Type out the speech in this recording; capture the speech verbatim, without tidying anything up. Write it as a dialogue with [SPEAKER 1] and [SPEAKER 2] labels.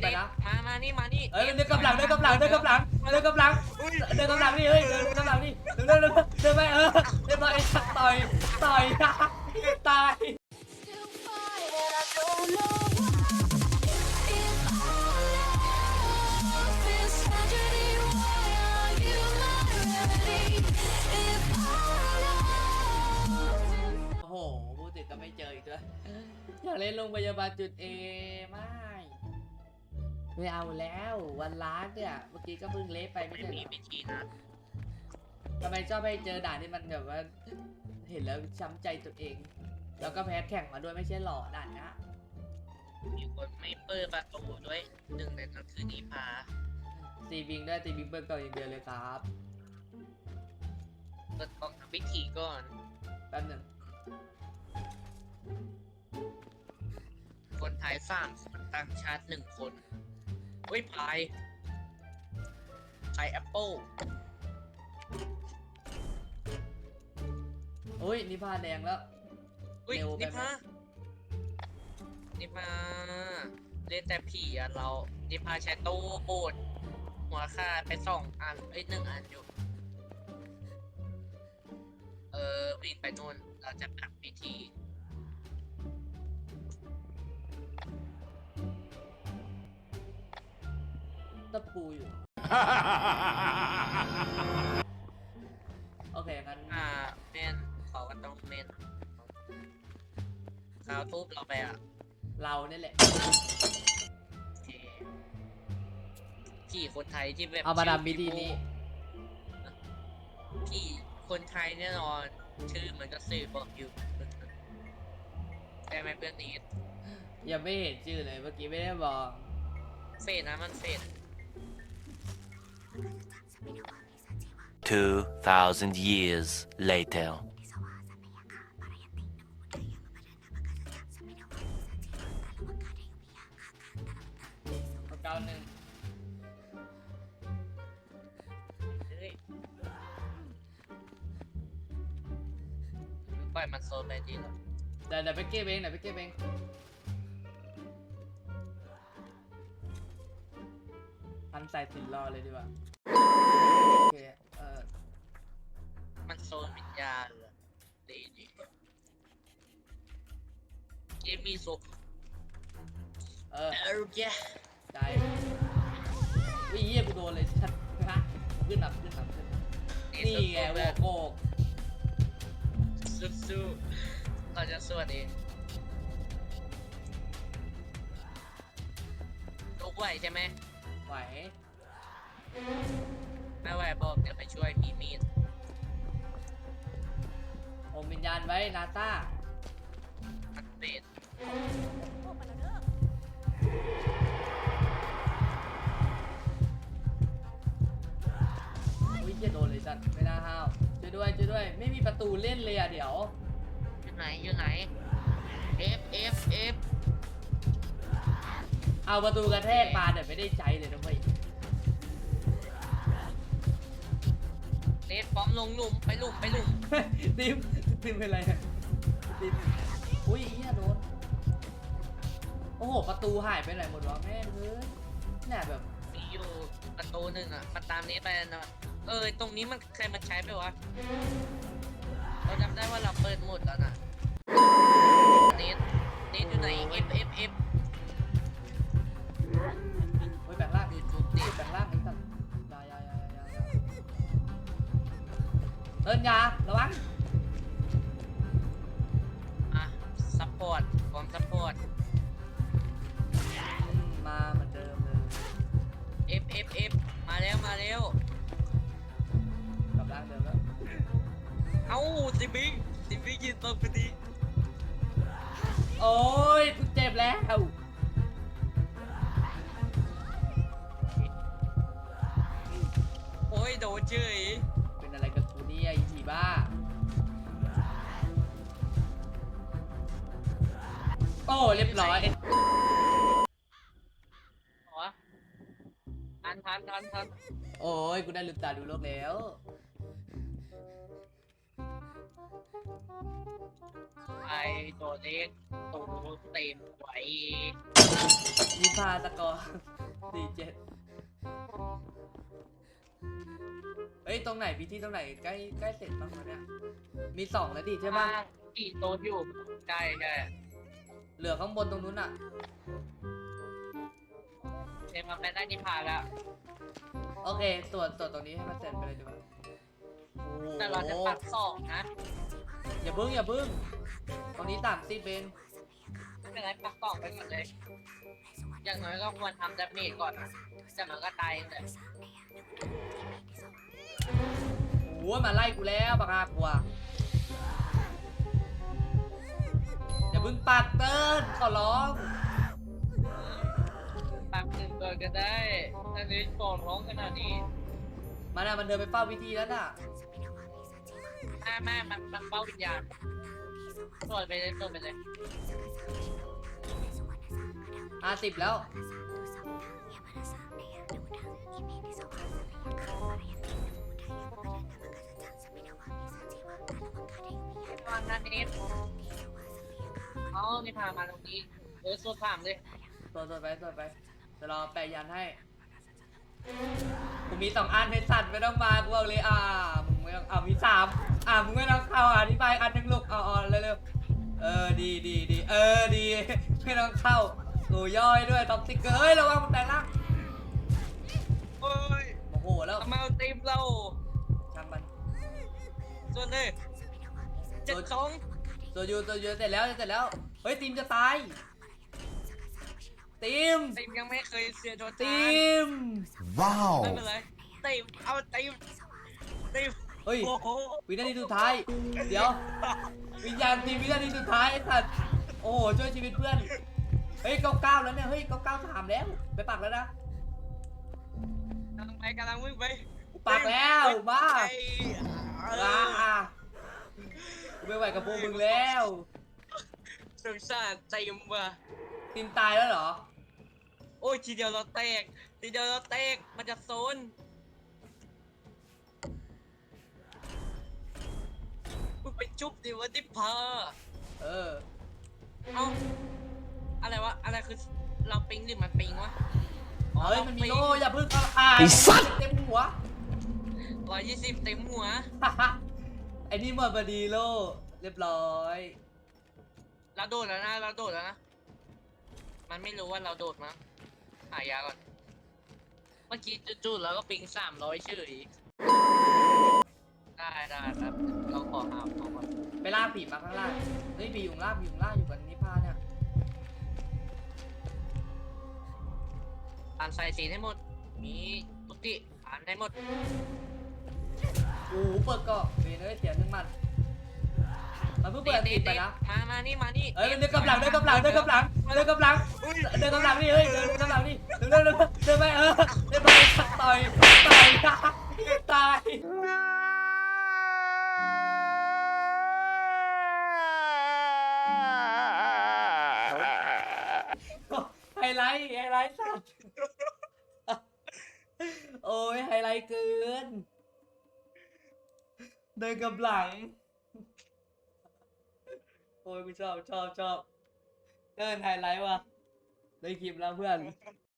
[SPEAKER 1] ไปนะ
[SPEAKER 2] มามานี่มานี่
[SPEAKER 1] เอ้ยเดินกำลังเดินกำลังเดินกำลังเดินกำลังเดินกำลังนี่เฮ้ยเดินกำลังนี่เดินเดินเดินเดินไปเออเดินไปต่อยต่อยตายโอ้โหพูดติดก็ไม่เจออีกด้วยอยากเล่นโรงพยาบาลจุดเอไม่ไม่เอาแล้ววันล้านเนี่ยเมื่อกี้ก็เพิ่งเละไปไม่
[SPEAKER 2] ไม่
[SPEAKER 1] ใช่
[SPEAKER 2] มี
[SPEAKER 1] เหรอ
[SPEAKER 2] วิธีนะ
[SPEAKER 1] ทำไมชอบให้เจอด่านที่มันแบบว่าเห็นแล้วช้ำใจตัวเอง แล้วก็แพ้แข่งมาด้วยไม่ใช่หล่อด่านนะ
[SPEAKER 2] มีคนไม่เปิดประตูด้วยหนึ่งในนั้นคือนิพา
[SPEAKER 1] ตีบิงด้วยตีบิงเปิดก่อนอย่างเดียวเลยครับ
[SPEAKER 2] เปิดกล่องทำพิธีก่อน
[SPEAKER 1] แป๊บหนึ่ง
[SPEAKER 2] คนไทยสามคนต่างชาติหนึ่งคนเฮ้ยพายพายแอปเปิล
[SPEAKER 1] โอ้ยนี่ผ้าแดงแล้ว
[SPEAKER 2] อุ้ย
[SPEAKER 1] เร็วไป
[SPEAKER 2] นิ
[SPEAKER 1] ไหม
[SPEAKER 2] พานิพาเล่นแต่ผีอ่ะเรานิพาใช้ตู้โบดหัวค่าไปสองอันเอ้ยหนึ่งอันอยู่เออวิ่งไปนู่นเราจะทำพิธี
[SPEAKER 1] ตะปูอยู่ โอเคงั้น
[SPEAKER 2] อ่าเมนเขาก็ต้องเมนขาวทุบเราไปอ่ะ
[SPEAKER 1] เราเนี่ยแหละ
[SPEAKER 2] โอเคพี่คนไทยที่แบบ
[SPEAKER 1] เอามาดามบิดีนี้
[SPEAKER 2] พี่คนไทยแน่นอนชื่อมันก็สื่อบอกอยู่แต่ไม่เพื่อนนี้
[SPEAKER 1] ยังไม่เห็นชื่อเลยเมื่อกี้ไม่ได้บอก
[SPEAKER 2] เฟดนะมันเฟด
[SPEAKER 3] Two thousand years later.
[SPEAKER 1] เก้าหนึ่ง
[SPEAKER 2] เฮ้ยปล่อยมันโซนไปดีแล้ว
[SPEAKER 1] เดี๋ยวเดี๋ยวไปเก็บเองเดี๋ยวไปเก็บเองพันใส่สินรอเลยดีกว่าโอเคเออ
[SPEAKER 2] มันโซนวิญญาณเหรอดีดีเกมมีโซ
[SPEAKER 1] เออ
[SPEAKER 2] เออแก
[SPEAKER 1] ใจวิ่งเยี่ยกูโดนเลยชัดฮะขึ้นหนับขึ้นหนับขึ้นนี่ไงโวโก้
[SPEAKER 2] สู้ๆเราจะสวัสดีลุกไหวใช่ไหม
[SPEAKER 1] ไหว
[SPEAKER 2] ไม่ไหวบอกเดี๋ยวไปช่วยพี่มีด
[SPEAKER 1] อมวิญญาณไว้นาตา
[SPEAKER 2] มันเป็ด
[SPEAKER 1] อุ้ยเยี่ยโดนเลยสัตว์ไม่น่าห้าวช่วยด้วยช่วยด้วยไม่มีประตูเล่นเลยอ่ะเดี๋ยว
[SPEAKER 2] อยู่ไหนอยู่ไหน F F F
[SPEAKER 1] เอาประตูกระแทกมาเดี๋ยวไม่ได้ใจเลยนะเว้ย
[SPEAKER 2] เลดป้อมลงหลุมไปหลุมไปหลุม
[SPEAKER 1] ติมติมเป็นไรอะติมอุ้ยเฮียโดนโอ้โหประตูหายไปไหนหมดวะแม่งเฮ้ยเนี่ยแบบ
[SPEAKER 2] มีอยู่ประตูหนึ่งอ่ะมาตามนี้ไปนะเออตรงนี้มันใครมันใช้ไปวะเราจำได้ว่าเราเปิดหมดแล้วนะเนทเนทอยู่ไหน F F F
[SPEAKER 1] เฮ้ยแบ่งล่าง
[SPEAKER 2] ดูจุด
[SPEAKER 1] ติ
[SPEAKER 2] ดิ
[SPEAKER 1] แบ่งล่างไอ้สัตว์ยายายายายาเดินยาระวัง
[SPEAKER 2] อ่ะซัพพอร์ตพร้อมซัพพอร์ต
[SPEAKER 1] มาเหมือนเดิมเลย
[SPEAKER 2] F F F มาแล้วมาแล้ว
[SPEAKER 1] กลับล่างเดิมแล้ว
[SPEAKER 2] เอ้าสิบิงสิบิงยืนตรงพอดี
[SPEAKER 1] โอ้ยกูเจ็บแล้ว
[SPEAKER 2] โอ้ยโดนเฉย
[SPEAKER 1] เป็นอะไรกับกูเนี่ยไอ้ผีบ้าโอ้เรียบร้อย
[SPEAKER 2] หัวทันทันทันทัน
[SPEAKER 1] โอ้ยกูได้ลืมตาดูโลกแล้ว
[SPEAKER 2] ไอตัวเล็กตัวเต็มไว้
[SPEAKER 1] นิพาสกอร์สี่เจ็ดเฮ้ยตรงไหนพิธีตรงไหนใกล้ใกล้เสร็จบ้างวะเนี่ยมีสองแล้วดิใช่ปะ
[SPEAKER 2] กี่โต๊ะอยู่ใช่ใช่
[SPEAKER 1] เหลือข้างบนตรงนู้นอ่ะ
[SPEAKER 2] เอ็มมาเป็นได้นิพาแล้ว
[SPEAKER 1] โอเคตรวจตรวจตรงนี้ให้มันเสร็จไปเลยดีกว่าโอ้โห
[SPEAKER 2] แต่เราจะปักสองนะ
[SPEAKER 1] อย่าพึ่งอย่าพึ่งตรงนี้ต่ำสิเบน
[SPEAKER 2] ไม่เป็นไรปักสองไปก่อนเลย อย่างน้อยก็ควรทำดาเมจก่อนนะจากนั้นก็ตายเลย
[SPEAKER 1] โอ้ยมาไล่กูแล้วปากกากูอะอย่าพึ่งปักเติ้ลขอร้อง
[SPEAKER 2] ปักหนึ่งก่อนก็ได้ถ้านี้ฟองร้องขนาดนี้
[SPEAKER 1] มันอะมันเดินไปเฝ้าพิธีแล้วน่ะ
[SPEAKER 2] แม่แม่มันมันเป้าวิญญาณตรวจไปเลยตรวจไปเลย
[SPEAKER 1] ห้าสิบแล้ว
[SPEAKER 2] ตอนนั้นนี้เอานี่พามาตรงนี้เออสวดถามเลย
[SPEAKER 1] ตรวจตรวจไปตรวจไปเดี๋ยวรอแปะยันให้กูมีสองอันเพชรสัตว์ไม่ต้องมากูเอาเลยอ่ามึงไม่ต้องอ่ามีสามอ่ามึงไม่ต้องเข้าอ่าที่ไปอันหนึ่งลูกเอาเอาเร็วๆเออดีดีดีเออดีไม่ต้องเข้าโอ้ย่อยด้วยท็อกซิกเกอร์เฮ้ยระวังมันแปลงร่าง
[SPEAKER 2] โอ้ย
[SPEAKER 1] โอ้โหแล้ว
[SPEAKER 2] ทำไมเอาตีมเรา
[SPEAKER 1] ช่างมัน
[SPEAKER 2] ส่วนเลยเจ็ดสอง
[SPEAKER 1] ตัวยูตัวยูเสร็จแล้วเสร็จแล้วเฮ้ยทีมจะตายทีม
[SPEAKER 2] ตีมยังไม่เคยเสียโดน
[SPEAKER 1] ทีม
[SPEAKER 3] Wow!
[SPEAKER 2] ไม่เป็นไรตีมเอาตีมตีม
[SPEAKER 1] เฮ้ย
[SPEAKER 2] โอ้โห
[SPEAKER 1] วินาทีสุดท้ายเดี๋ยววิญญาณทีมวินาทีสุดท้ายไอ้สัตว์โอ้โหช่วยชีวิตเพื่อนเฮ้ยเก้าเก้าแล้วเนี่ยเฮ้ยเก้าเก้าสามแล้วไปปักแล้วนะ
[SPEAKER 2] กำลังไปกำลังวิ่งไป
[SPEAKER 1] ปักแล้วบ้า
[SPEAKER 2] ไปเอ
[SPEAKER 1] อ่า
[SPEAKER 2] อ
[SPEAKER 1] อ่ากูไม่ไหวกับพวกมึงแล้ว
[SPEAKER 2] สงสารตีมว่ะ
[SPEAKER 1] ทีมตายแล้วเหรอ
[SPEAKER 2] โอ้ยทีเดียวเราแตกทีเดียวเราแตกมันจะโซนมึงไปจุ๊บดิวะที่พา
[SPEAKER 1] เออ
[SPEAKER 2] เอ้าอะไรวะอะไรคือเราปิงหรือมันปิงวะ
[SPEAKER 1] เฮ้ยมันมีโล่อย่าเพิ่งเอาอ่า
[SPEAKER 3] ไอ้สัตว์
[SPEAKER 1] เต็มหัว
[SPEAKER 2] ร้อยยี่สิบเต็มหัว
[SPEAKER 1] ไอ้นี่หมดพอดีโล่เรียบร้อย
[SPEAKER 2] เราโดดแล้วนะเราโดดแล้วนะมันไม่รู้ว่าเราโดดมั้งหายาก่อนเมื่อกี้จู่ๆเราก็ปิงสามร้อยเฉยได้ได้ครับเราขอหาของก่อน
[SPEAKER 1] ไปลากผีมาข้างล่างเฮ้ยผีอยู่ข้างล่างผีอยู่ข้างล่างอยู่กับนิพพาเนี่ย
[SPEAKER 2] อ่านสายสีให้หมดมีทุกที่อ่านให้หมด
[SPEAKER 1] โอ้โหเปิดเกาะเวนเอ้ยเสียหนึ่งหมัดมันเพิ่งเปิดติดไปนะ
[SPEAKER 2] มามานี่มานี่
[SPEAKER 1] เอ้ยเดินกับหลังเดินกับหลังเดินกับหลังเดินกับหลังเดินกับหลังนี่เฮ้ยเดินกับหลังนี่เดินเดินเดินเดินไปเออเดินไปต่อยต่อยตายไฮไลท์ไฮไลท์สัตว์โอ้ยไฮไลท์เกินเดินกับหลังโอ้ยกูชอบชอบชอบเดินไฮไลท์ว่ะได้คลิปแล้วเพื่อน